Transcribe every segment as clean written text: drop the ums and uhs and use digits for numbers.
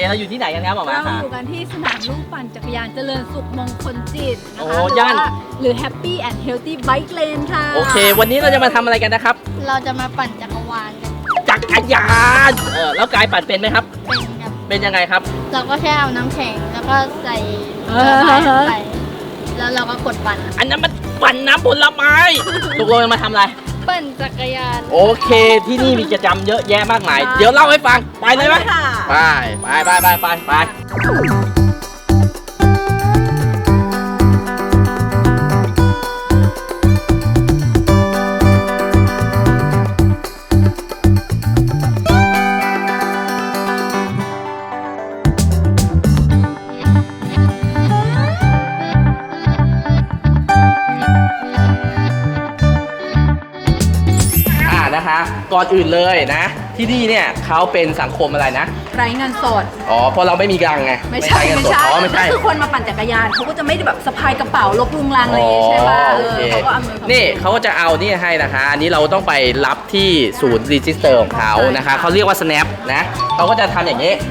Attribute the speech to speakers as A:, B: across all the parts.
A: เราอยู่ที่ไหนกันครับหมอมา
B: เรา
A: ค่ะ
B: อยู่กันที่สนามลู่ปั่นจักรยานเจริญสุขมงคลจิตนะ
A: โอ้
B: คะ
A: ย่าน
B: หรือ Happy and Healthy Bike Lane ค่ะ
A: โอเค วันนี้เราจะมาทำอะไรกันนะครับ
C: เราจะมาปั่นจักรวาลกัน
A: จักรยานแล้วกายปั่นเป็นไหมครับ
C: เป็นครับ
A: เป็นยังไงครับ
C: เราก็แค่เอาน้ำแข็งแล้วก็ใส่ไปแล้วเราก็กดปั่น
A: อันนั้นมันปั่นน้ำผลไม้ตกลงมาทำอะไร
C: ปั่นจักรยาน
A: โอเค ที่นี่มีกิจกรรมเยอะแยะมากมาย เดี๋ยวเล่าให้ฟัง ไปเลยไหม
B: ค่ะ
A: ไปนะคะก่อนอื่นเลยนะ ที่นี่เนี่ยเขาเป็นสังคมอะไรนะ
B: ไร้เงินสด
A: อ๋อเพราะเราไม่มีกังไง
B: ไม่ใช่
A: เงินสดอ๋อไม่ใช่
B: ก็คือคนมาปั่นจักรยานเขาก็จะไม่ได้แบบสะพายกระเป๋าลกลุงลังอะไรอย่างงี้ใช่ป่ะ
A: โอเค
B: เขาก็อำนวยความ
A: นี่เขาก็จะเอานี่ให้นะคะ อันนี้เราต้องไปรับที่ศูนย์รีจิสเตอร์ของเขานะคะเขาเรียกว่า snap นะเขาก็จะทำอย่างนี้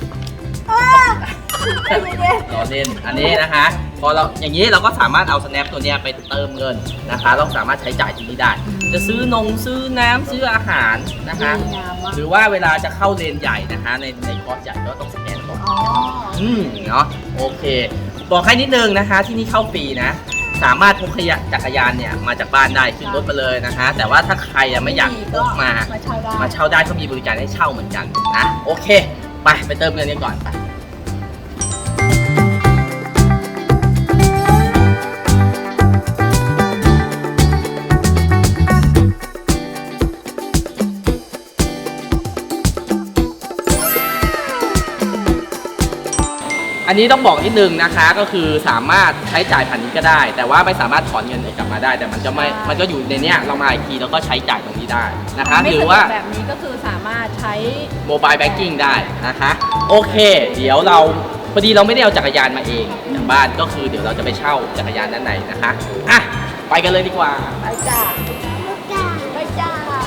A: รอเล่นอันนี้นะคะ พอเราอย่างนี้เราก็สามารถเอา snap ตัวเนี้ยไปเติมเงินนะคะ เราสามารถใช้จ่ายที่นี่ได้ จะซื้อนงซื้อน้ำซื้ออาหารนะคะ
B: ดีงามมาก
A: หรือว่าเวลาจะเข้าเลนใหญ่นะคะ ในคอร์สใหญ่ก็ต้องสแกนก่อน
B: อ๋อ
A: เนาะโอเค บอกให้นิดนึงนะคะที่นี่เข้าฟรีนะ สามารถพกจักรยานเนี่ยมาจากบ้านได้ขึ้นรถมาเลยนะคะ แต่ว่าถ้าใครไม่อยากพกมา
B: มาเช่าได้
A: เขามีบริการให้เช่าเหมือนกันนะโอเคไปเติมเงินกันก่อนไปอันนี้ต้องบอกนิดนึงนะคะก็คือสามารถใช้จ่ายผ่านนี้ก็ได้ แต่ว่าไม่สามารถถอนเงินกลับมาได้ แต่มันก็อยู่ในเนี้ยเรามาอีกทีแล้วก็ใช้จ่ายตรงนี้ได้นะคะหรือว่า
B: แบบนี้ก็คือสามารถใช้
A: โมบายแบงกิ้งได้นะคะโอเค เดี๋ยวเราพอดีเราไม่ได้เอาจักรยานมาเองจากบ้านก็คือเดี๋ยวเราจะไปเช่าจักรยานด้านในนะคะอ่ะไปกันเลยดีกว่า
B: ไปจ้าไปจ้า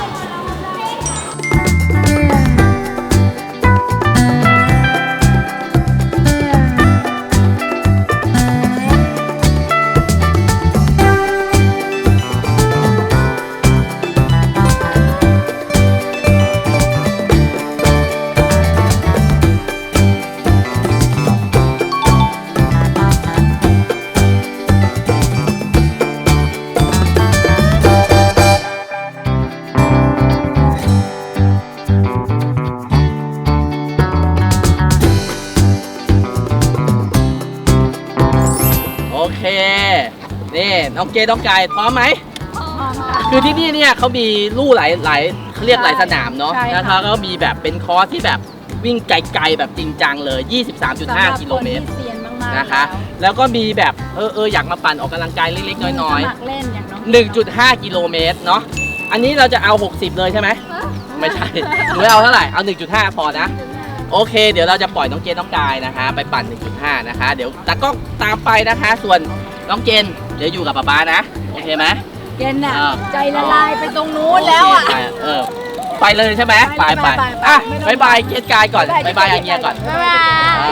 A: โอเคนี่น้องเกดน้องกายพร้อมไหม
B: พร้อมค่ะ
A: คือที่นี่เนี่ยเขามีลู่หลายเขาเรียกหลายสนามเนาะ
B: ใช่ค่ะ
A: นะคะก็มีแบบเป็นคอร์สที่แบบวิ่งไกลๆแบบจริงจังเลย 23.5 กิโลเมตร
B: สำหบคนที่เซียนมากๆ
A: นะคะแล้วก็มีแบบอยากมาปั่นออกกำลังกายเล็กๆน้อย
B: สมัครเล่นอย่างน้อง
A: ๆ 1.5 กิโลเมตรเนาะอันนี้เราจะเอา 60 เลยใช่ไหมไม่ใช่หนูเอาเท่าไหร่เอา 1.5 พอนะโอเค เดี๋ยวเราจะปล่อยน้องเกณฑ์น้องกายนะคะ ไปปั่น 1.5 นะคะ เดี๋ยวตากล้องตามไปนะคะ ส่วนน้องเกณฑ์เดี๋ยวอยู่กับป๊าๆนะโอเคไหม
B: เกณฑ์น่ะ
A: อ่า
B: ใจละลายไปตรงนู้นแล้วอ่ะ
A: โเคไปเลยใช่ไหมไป
B: ไป
A: อ่ะ
B: ไม่ต้อง
A: บายเกณฑ์กายก่อน
B: บ๊าย
A: บา
B: บาย ย
A: อย่างเงี้ยก่อน
C: บ๊ายบาย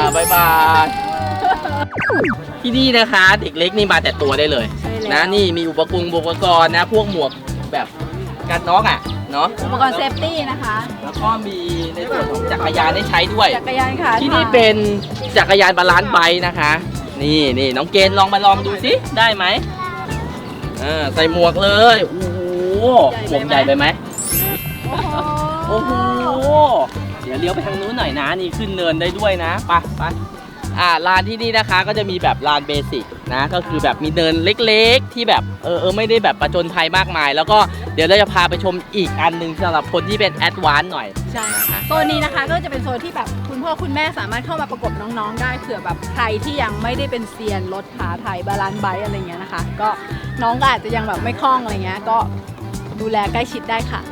A: บายบายที่นี่นะคะเด็กเล็กนี่มาแต่ตัวได้เลย
B: ใช่แล้ว
A: นะนี่มีอุปกรณ์นะพวกหมวกแบบกันน็อกอ่ะเนาะ
B: อุปกรณ์เซฟตี้นะคะ
A: แล้วก็มีในส่วนของจักรยานให้ใช้ด้วย
B: จักรยานค่ะ
A: ที่นี่เป็นจักรยานบาลานซ์ไบค์นะคะ นี่น้องเกณฑ์ลองดูสิได้ไหมใส่หมวกเลยโอ้โหหมวกใหญ่ไปไหมโอ้โหเดี๋ยวเลี้ยวไปทางนู้นหน่อยนะนี่ขึ้นเนินได้ด้วยนะไปลานที่นี่นะคะก็จะมีแบบลานเบสิกนะก็คือแบบมีเนินเล็กๆที่แบบไม่ได้แบบประจนภัยมากมาย แล้วก็เดี๋ยวเราจะพาไปชมอีกอันหนึ่งสำหรับคนที่เป็นแอดวานซ์หน่อย
B: ใช่ค่ะโซนนี้นะคะก็จะเป็นโซนที่แบบคุณพ่อคุณแม่สามารถเข้ามาประกบน้องๆได้เผื่อแบบใครที่ยังไม่ได้เป็นเซียนรถขาไทยบาลานซ์ไบค์อะไรเงี้ยนะคะ ก็น้องก็อาจจะยังแบบไม่คล่องอะไรเงี้ยก็ดูแลใกล้ชิดได้ค่ะ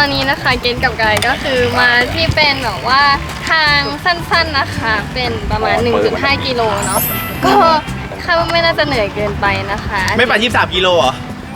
C: อนนี้นะคะเกณฑ์กับไกด์ก็คือมาที่เป็นแบบว่าทางสั้นๆนะคะ เป็นประมาณ 1.5 กิโลเนาะก็คาดว่าไม่น่าจะเหนื่อยเกินไปนะคะ
D: ไม่ไป23 กิโลเหรอ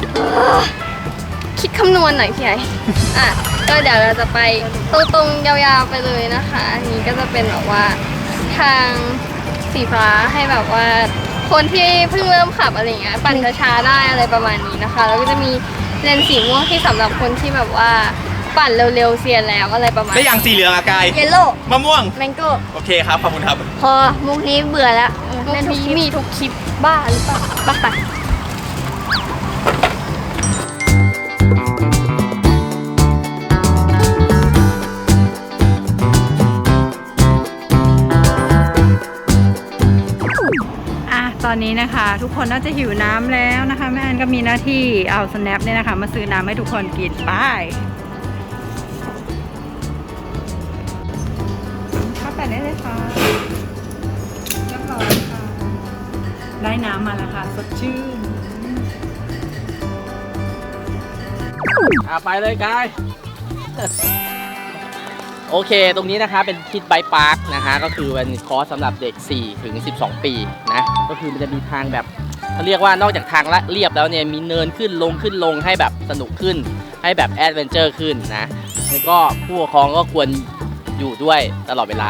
C: คิดคำนวณหน่อยพี่ไออ่ะก็เดี๋ยวเราจะไปตรงๆยาวๆไปเลยนะคะอันนี้ก็จะเป็นแบบว่าทางสีฟ้าให้แบบว่าคนที่เพิ่งเริ่มขับอะไรอย่างเงี้ยปั่นช้าๆได้อะไรประมาณนี้นะคะแล้วก็จะมีเลนสีม่วงที่สำหรับคนที่แบบว่าปั่นเร็วๆเซียนแล้วอะไรประมาณ
D: ได้อย่างสีเหลืองอะกาย
C: เยลโล่
D: มะม่วง
C: แมงโก้
D: โอเคครับ ขอบคุณครับ
C: พอมุกนี้เบื่อแล้วมุกนี้มีทุกคลิปบ้าหรือเปล่าบ้า
B: ตอนนี้นะคะทุกคนน่าจะหิวน้ำแล้วนะคะแม่แอนก็มีหน้าที่เอาสแนปเนี่ยนะคะมาซื้อน้ำให้ทุกคนกินไปเข้าแต่ได้เลยค่ะเรียบร้อยค่ะได้น้ำมาแล้วค่ะสดชื่น
A: ไปเลยกาย โอเคตรงนี้นะคะเป็นคิดไบค์พาร์คนะคะก็คือเป็นคอร์สสำหรับเด็ก4ถึง12 ปีนะก็คือมันจะมีทางแบบเขาเรียกว่านอกจากทางเรียบแล้วเนี่ยมีเนินขึ้นลงให้แบบสนุกขึ้นให้แบบแอดเวนเจอร์ขึ้นนะแล้วก็ผู้ปกครองก็ควรอยู่ด้วยตลอดเวลา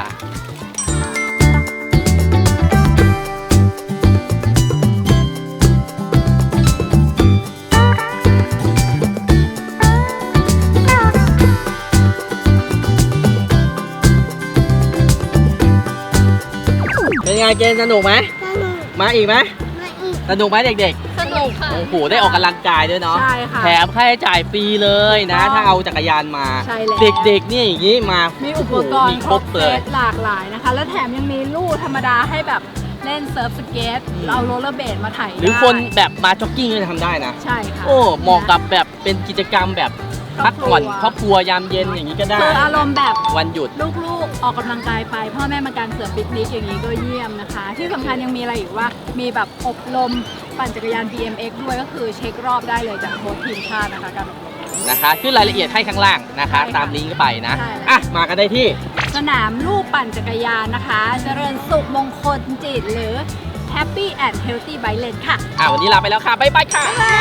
A: เป็นไงเกณฑ์สนุกไหมมาอีกไหมสนุกไหมเด็ก
C: สนุกค่ะ
A: ๆโอ้โหได้ออกกำลังกายด้วยเนาะ
B: ใช่ค่ะ
A: แถมค่าใช้จ่ายฟรีเลยนะ ถ้าเอาจักรยานมา
B: ใช่แล้ว
A: เด็กๆเนี่ยอย่างนี้มา
B: มีอุปกร
A: มี
B: ณ์
A: ค
B: ค
A: ร
B: ร
A: บบ เล
B: เซ
A: ย
B: ตหลากหลายนะคะ แล้วแถมยังมีลู่ธรรมดาให้แบบเล่นเซิร์ฟสเก็ตเอาโรลเลอร์เบลดมาไถ
A: หรือคนแบบมาจ็อกกิ้งก็จะทำได้นะ
B: ใช่ค่ะ
A: โอ้เหมาะกับแบบเป็นกิจกรรมแบบพักผ่อนครอบครัวยามเย็นอย่างนี้ก็ได้
B: คืออารมณ์แบบ
A: วันหยุด
B: ลูกๆออกกำลังกายไปพ่อแม่มากางเสือปิกนิกอย่างนี้ก็เยี่ยมนะคะ ที่สำคัญยังมีอะไรอีกว่ามีแบบอบรมปั่นจักรยาน BMX ด้วยก็คือเช็ครอบได้เลยจากโค้ชทีมชาตินะคะการอบรม
A: นะคะขึ้นรายละเอียดให้ข้างล่างนะคะ
B: ใช่ค่ะ
A: ตามลิงก์ก็ไปนะ
B: ใช่แล้ว
A: อ่ะมากันได้ที่
B: สนามลู่ปั่นจักรยานนะคะ เจริญสุขมงคลจิตหรือ Happy and Healthy Bike Lane ค่ะ
A: วันนี้ลาไปแล้วค่ะ บ๊ายบายค่ะ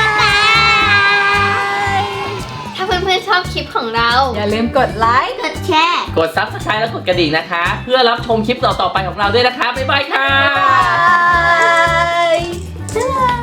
C: ถ้าเพื่อนๆชอบคลิปของเรา
B: อย่าลืมกดไลค์
C: กดแชร์
A: กด Subscribe และกดกระดิ่งนะคะ เพื่อรับชมคลิปต่อๆไปของเราด้วยนะคะ บ๊ายบายค่ะ
C: บ๊ายบาย